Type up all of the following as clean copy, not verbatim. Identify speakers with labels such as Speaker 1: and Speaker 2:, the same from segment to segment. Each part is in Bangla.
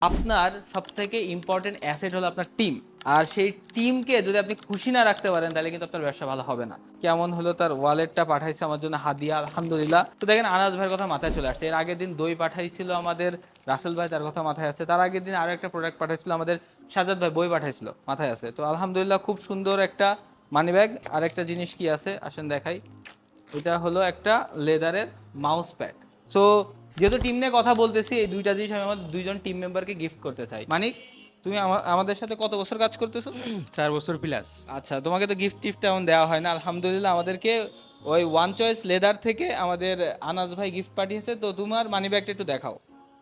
Speaker 1: আপনার সবথেকে ইম্পর্টেন্ট অ্যাসেট হলো আপনার টিম। আর সেই টিমকে যদি আপনি খুশি না রাখতে পারেন তাহলে কিন্তু আপনার ব্যবসা ভালো হবে না। কেমন হলো তার ওয়ালেটটা পাঠাইছে আমার জন্য হাদিয়া, আলহামদুলিল্লাহ। তো দেখেন আনাজ ভাইয়ের কথা মাথায় চলে আসছে। এর আগের দিন দই পাঠাইছিল আমাদের রাসেল ভাই, তার কথা মাথায় আছে। তার আগের দিন আরো একটা প্রোডাক্ট পাঠাইছিল আমাদের সাজাদ ভাই, বই পাঠাইছিল, মাথায় আছে। তো আলহামদুলিল্লাহ খুব সুন্দর একটা মানি ব্যাগ। আর একটা জিনিস কি আছে আসেন দেখাই। এটা হলো একটা লেদারের মাউস প্যাড। সো যেহেতু টিম নিয়ে কথা বলতেছি, এই দুইটা জিনিস আমি আমার দুইজন টিম মেম্বারকে গিফট করতে চাই। মানিক, তুমি আমাদের সাথে কত বছর কাজ করতেছো?
Speaker 2: 4 বছর প্লাস।
Speaker 1: আচ্ছা, তোমাকে তো গিফট টিফট তেমন দেওয়া হয় না। আলহামদুলিল্লাহ আমাদেরকে ওই ওয়ান চয়েস লেদার থেকে আমাদের আনাজ ভাই গিফট পাঠিয়েছে। তো তোমার মানি ব্যাগটা একটু দেখাও।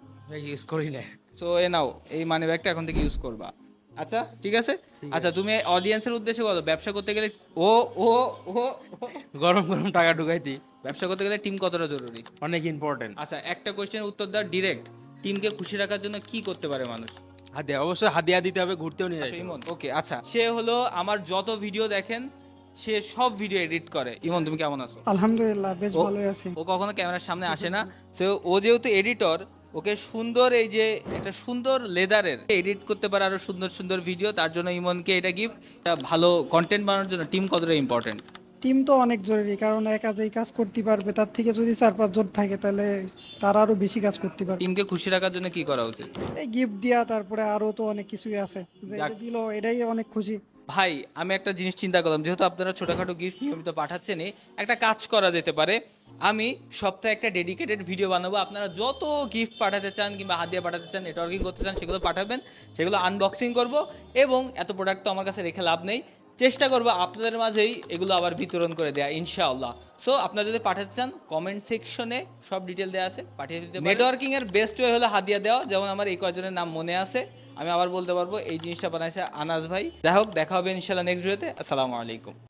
Speaker 2: ইউজ করি না।
Speaker 1: সো এ নাও, এই মানি ব্যাগটা এখন থেকে ইউজ করবা। আচ্ছা ঠিক আছে।
Speaker 2: ঠিক
Speaker 1: আচ্ছা
Speaker 2: আছে।
Speaker 1: তুমি অডিয়েন্সের উদ্দেশ্যে বলো, ব্যবসা করতে গেলে ও ও ও ও,
Speaker 2: গরম গরম টাকা ঢুকাইতি
Speaker 1: ব্যবসা করতে গেলে টিম কতটা জরুরি?
Speaker 2: অনেক ইম্পর্টেন্ট।
Speaker 1: আচ্ছা একটা কোশ্চেনের উত্তর দাও ডিরেক্ট। টিমকে খুশি রাখার জন্য কি করতে পারে মানুষ?
Speaker 2: হাদিয়া, অবশ্যই হাদিয়া দিতে হবে, ঘুরতেও নিয়ে
Speaker 1: আচ্ছা
Speaker 2: যাইতে
Speaker 1: ইমন,
Speaker 2: হবে।
Speaker 1: ওকে। আচ্ছা সে হলো আমার যত ভিডিও দেখেন সে সব ভিডিও এডিট করে। ইমন তুমি কেমন আছো?
Speaker 3: আলহামদুলিল্লাহ বেশ
Speaker 1: ও
Speaker 3: ভালোই আছি।
Speaker 1: ও কখনো ক্যামেরার সামনে আসে না। তো ও যেহেতু এডিটর, ওকে সুন্দর এই যে একটা সুন্দর লেদারের এডিট করতে পারে আরো সুন্দর সুন্দর ভিডিও। তার জন্য ইমনকে এটা গিফট। ভালো কন্টেন্ট বানানোর জন্য টিম কতটা ইম্পর্টেন্ট?
Speaker 3: টিম তো অনেক জরুরি, কারণ একা যেই কাজ করতে পারবে তার থেকে যদি 4-5 জন থাকে তাহলে তারা আরো বেশি কাজ করতে পারবে।
Speaker 1: টিমকে খুশি রাখার জন্য কি করা উচিত?
Speaker 3: এই গিফট দিয়া, তারপরে আরো তো অনেক কিছুই আছে, যে
Speaker 1: যাক।
Speaker 3: এটা দিলো এটাই অনেক খুশি।
Speaker 1: ভাই আমি একটা জিনিস চিন্তা করলাম, যেহেতু আপনারা ছোটখাটো গিফট নিয়মিত পাঠাচ্ছেনই, একটা কাজ করা যেতে পারে। আমি সপ্তাহে একটা ডেডিকেটেড ভিডিও বানাবো। আপনারা যত গিফট পাঠাতে চান কিংবা হাদিয়া পাঠাতে চান, নেটওয়ার্কিং করতে চান, সেগুলো পাঠাবেন। সেগুলো আনবক্সিং করব। এবং এত প্রোডাক্ট তো আমার কাছে রেখে লাভ নেই, চেষ্টা করবো আপনাদের মাঝেই এগুলো আবার বিতরণ করে দেয়া ইনশাআল্লাহ। সো আপনারা যদি পাঠাতে চান কমেন্ট সেকশনে সব ডিটেল দেওয়া আছে, পাঠিয়ে দিতে পারেন। নেটওয়ার্কিং এর বেস্ট ওয়ে হলো হাদিয়া দেওয়া। যেমন আমার এই কয়জনের নাম মনে আছে, আমি আবার বলতে পারবো এই জিনিসটা বানাইছে আনাস ভাই। যাই হোক, দেখা হবে ইনশাআল্লাহ নেক্সট ভিডিওতে। আসসালামু আলাইকুম।